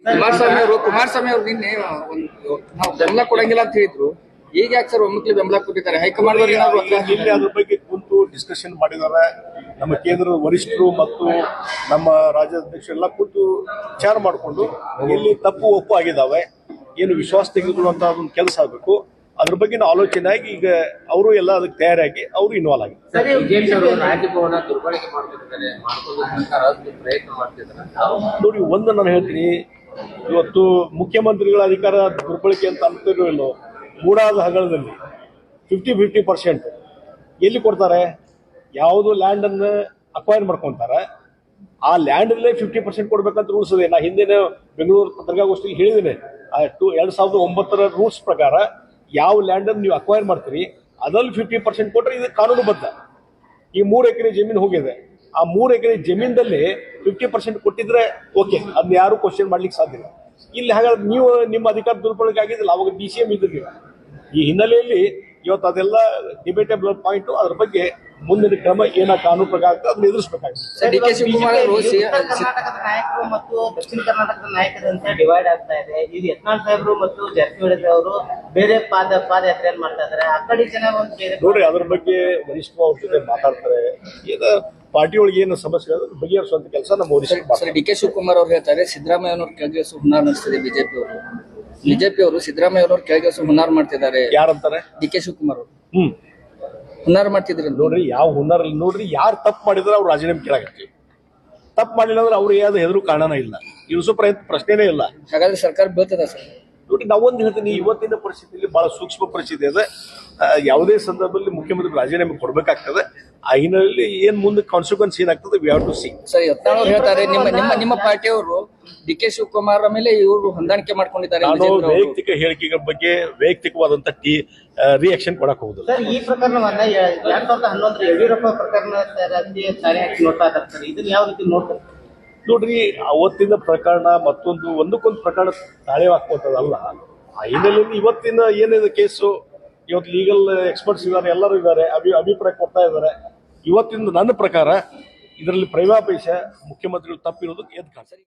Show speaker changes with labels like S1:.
S1: ಕುಮಾರಸ್ವಾಮಿ ಅವರು ನಿನ್ನೆ ನಾವು ಬೆಂಬಲ ಕೊಡಂಗಿಲ್ಲ ಅಂತ ಹೇಳಿದ್ರು. ಈಗ ಯಾಕೆ ಸರ್ ಒಮ್ಮಕ್ಲಿ ಬೆಂಬಲ ಕೊಟ್ಟಿದ್ದಾರೆ? ಹೈಕಮಾಂಡ್
S2: ನಿನ್ನೆ ಅದ್ರ ಬಗ್ಗೆ ಕುಂತು ಡಿಸ್ಕಷನ್ ಮಾಡಿದ್ದಾರೆ. ನಮ್ಮ ಕೇಂದ್ರದ ವರಿಷ್ಠರು ಮತ್ತು ನಮ್ಮ ರಾಜ್ಯಾಧ್ಯಕ್ಷರು ಎಲ್ಲ ಕೂತು ವಿಚಾರ ಮಾಡಿಕೊಂಡು ಎಲ್ಲಿ ತಪ್ಪು ಒಪ್ಪು ಆಗಿದ್ದಾವೆ, ಏನು ವಿಶ್ವಾಸ ತೆಗೆದುಕೊಳ್ಳುವಂತ ಒಂದು ಕೆಲಸ ಆಗಬೇಕು, ಅದ್ರ ಬಗ್ಗೆ ಆಲೋಚನೆ ಆಗಿ ಈಗ ಅವರು ಎಲ್ಲ ಅದಕ್ಕೆ ತಯಾರಾಗಿ ಅವರು ಇನ್ವಾಲ್ವ್ ಆಗಿದ್ದಾರೆ. ನೋಡಿ, ಒಂದು ನಾನು ಹೇಳ್ತೀನಿ, ಇವತ್ತು ಮುಖ್ಯಮಂತ್ರಿಗಳ ಅಧಿಕಾರ ದುರ್ಬಳಕೆ ಅಂತ ಅಂತಿರೋ ಇಲ್ಲೋ, ಮೂಡಾದ ಹಗಲದಲ್ಲಿ 50-50% ಎಲ್ಲಿ ಕೊಡ್ತಾರೆ? ಯಾವುದು ಲ್ಯಾಂಡ್ ಅನ್ನು ಅಕ್ವೈರ್ ಮಾಡ್ಕೊಂತಾರೆ, ಆ ಲ್ಯಾಂಡ್ ಅಲ್ಲೇ 50% ಕೊಡ್ಬೇಕಂತ ರೂಲ್ಸ್ ಇದೆ. ನಾ ಹಿಂದಿನ ಬೆಂಗಳೂರು ಪತ್ರಿಕಾಗೋಷ್ಠಿಯಲ್ಲಿ ಹೇಳಿದ್ದೇನೆ, 2009 ರೂಲ್ಸ್ ಪ್ರಕಾರ ಯಾವ ಲ್ಯಾಂಡ್ ಅನ್ನು ನೀವು ಅಕ್ವೈರ್ ಮಾಡ್ತೀರಿ ಅದ್ರಲ್ಲಿ 50% ಕೊಟ್ಟರೆ ಇದು ಕಾನೂನುಬದ್ಧ. ಈ 3 ಎಕರೆ ಜಮೀನು ಹೋಗಿದೆ, ಆ 3 ಎಕರೆ ಜಮೀನದಲ್ಲಿ 50% ಕೊಟ್ಟಿದ್ರೆ ಓಕೆ, ಅದನ್ನ ಯಾರು ಕ್ವಶನ್ ಮಾಡ್ಲಿಕ್ಕೆ ಸಾಧ್ಯ ಇಲ್ಲ. ಇಲ್ಲಿ ಹಾಗಾದ್ರೆ ನೀವು ನಿಮ್ಮ ಅಧಿಕಾರ ದುರ್ಬಳಕೆ ಆಗಿದ್ದಿಲ್ಲ, ಅವಾಗ DCM ಇದ್ದಿಲ್ಲ. ಈ ಹಿನ್ನೆಲೆಯಲ್ಲಿ ಇವತ್ತು ಅದೆಲ್ಲ ಡಿಬೇಟೇಬಲ್ ಪಾಯಿಂಟ್. ಅದ್ರ ಬಗ್ಗೆ ಮುಂದಿನ ಕ್ರಮ ಏನ ಕಾನೂನು ಪ್ರಕಾರ ಆಗ್ತದೆ ಅದನ್ನ ಎದುರಿಸಬೇಕಾಗ್ತದೆ.
S3: ಕರ್ನಾಟಕದ ನಾಯಕರು ಮತ್ತು ದಕ್ಷಿಣ ಕರ್ನಾಟಕದ ನಾಯಕರಂತೆ ಡಿವೈಡ್ ಆಗ್ತಾ ಇದೆ. ಈಗ ಯತ್ನಾಳ್ ಸಾಹೇಬರು ಮತ್ತು ಜಾರಕಿಹೊಳಿ ಅವರು ಬೇರೆ ಪಾದಯಾತ್ರೆಯನ್ನು ಮಾಡ್ತಾ ಇದ್ದಾರೆ. ಆ ಕಡೆ ಜನ
S2: ನೋಡ್ರಿ, ಅದ್ರ ಬಗ್ಗೆ ವರಿಷ್ಠರು ಅವ್ರ ಜೊತೆ ಮಾತಾಡ್ತಾರೆ. ಪಾರ್ಟಿ ಒಳಗೆ ಏನು ಸಮಸ್ಯೆ ಬಗೆಹರಿಸುವಂತ ಕೆಲಸ ನಮ್ಮ ವರಿಷ್ಠರು.
S1: DK ಶಿವಕುಮಾರ್ ಅವ್ರು ಹೇಳ್ತಾರೆ, ಸಿದ್ದರಾಮಯ್ಯ ಅವ್ರ ಕೆಳಗಿಳಿಸೋ ಹುನ್ನಾರ ನಡೆಸ್ತಿದೆ ಬಿಜೆಪಿ ಅವರು ಸಿದ್ದರಾಮಯ್ಯ ಅವ್ರ ಕೆಳಗಿಳಿಸೋ ಹುನ್ನಾರ ಮಾಡ್ತಿದ್ದಾರೆ.
S2: ಯಾರಂತಾರೆ?
S1: DK ಶಿವಕುಮಾರ್ ಅವರು ಹುನ್ನಾರ ಮಾಡ್ತಿದ್ರು.
S2: ನೋಡ್ರಿ, ಯಾವ ಹುನ್ನಾರ ನೋಡ್ರಿ, ಯಾರು ತಪ್ಪು ಮಾಡಿದ್ರೆ ಅವ್ರು ರಾಜೀನಾಮೆ ಕೇಳಾಗತ್ತೀವಿ. ತಪ್ಪು ಮಾಡಿಲ್ಲ ಅಂದ್ರೆ ಅವ್ರಿಗೆ ಯಾವ್ದು ಹೆದರು ಕಾರಣನ ಇಲ್ಲ, ಇಳಿಸೋ ಪ್ರಶ್ನೆನೇ ಇಲ್ಲ.
S1: ಹಾಗಾದ್ರೆ ಸರ್ಕಾರ ಬೀಳ್ತದ ಸರ್?
S2: ನೋಡಿ, ನಾವೊಂದು ಹೇಳ್ತೀನಿ, ಇವತ್ತಿನ ಪರಿಸ್ಥಿತಿಯಲ್ಲಿ ಬಹಳ ಸೂಕ್ಷ್ಮ ಪರಿಸ್ಥಿತಿ ಇದೆ. ಯಾವುದೇ ಸಂದರ್ಭದಲ್ಲಿ ಮುಖ್ಯಮಂತ್ರಿ ರಾಜೀನಾಮೆ ಕೊಡಬೇಕಾಗ್ತದೆ. ಆ ಹಿನ್ನೆಲೆಯಲ್ಲಿ ಏನ್ ಮುಂದೆ ಕಾನ್ಸಿಕ್ವೆನ್ಸ್ ಏನಾಗ್ತದೆ we have to see.
S1: Sir, Yatnal ಅವರು ಹೇಳ್ತಾರೆ ನಿಮ್ಮ ಪಾರ್ಟಿಯವರು DK ಶಿವಕುಮಾರ್ ಮೇಲೆ ಇವರು ಹೊಂದಾಣಿಕೆ ಮಾಡ್ಕೊಂಡಿದ್ದಾರೆ.
S2: ನಾನು ವೈಯಕ್ತಿಕ ಹೇಳಿಕೆಗಳ ಬಗ್ಗೆ ವೈಯಕ್ತಿಕವಾದಂತ ರಿಯಾಕ್ಷನ್ ಕೊಡಕ್ ಹೋಗುದಿಲ್ಲ.
S3: ಈ ಪ್ರಕರಣವನ್ನ 2011 ಯಡಿಯೂರಪ್ಪ ಪ್ರಕರಣ ತಾನೇ ಹಾಕಿ ನೋಡ್ತಾ ಇದ್ದಾರೆ. ಇದನ್ನ ಯಾವ ರೀತಿ ನೋಡ್ತಾರೆ?
S2: ನೋಡ್ರಿ, ಅವತ್ತಿನ ಪ್ರಕರಣ ಒಂದಕ್ಕೊಂದು ಪ್ರಕರಣ ತಾಳೆ ಹಾಕುವಂಥದ್ದಲ್ಲ. ಆ ಹಿನ್ನೆಲೆಯಲ್ಲಿ ಇವತ್ತಿನ ಏನಿದೆ ಕೇಸು, ಇವತ್ತು ಲೀಗಲ್ ಎಕ್ಸ್ಪರ್ಟ್ಸ್ ಇದ್ದಾರೆ, ಎಲ್ಲರೂ ಇದ್ದಾರೆ, ಅಭಿಪ್ರಾಯ ಕೊಡ್ತಾ ಇದ್ದಾರೆ. ಇವತ್ತಿನ ನನ್ನ ಪ್ರಕಾರ ಇದರಲ್ಲಿ ಪ್ರೈಮಾಪೇಶ ಮುಖ್ಯಮಂತ್ರಿಗಳು ತಪ್ಪಿರೋದು ಎದ್ದು ಕಾಣ್ತದೆ.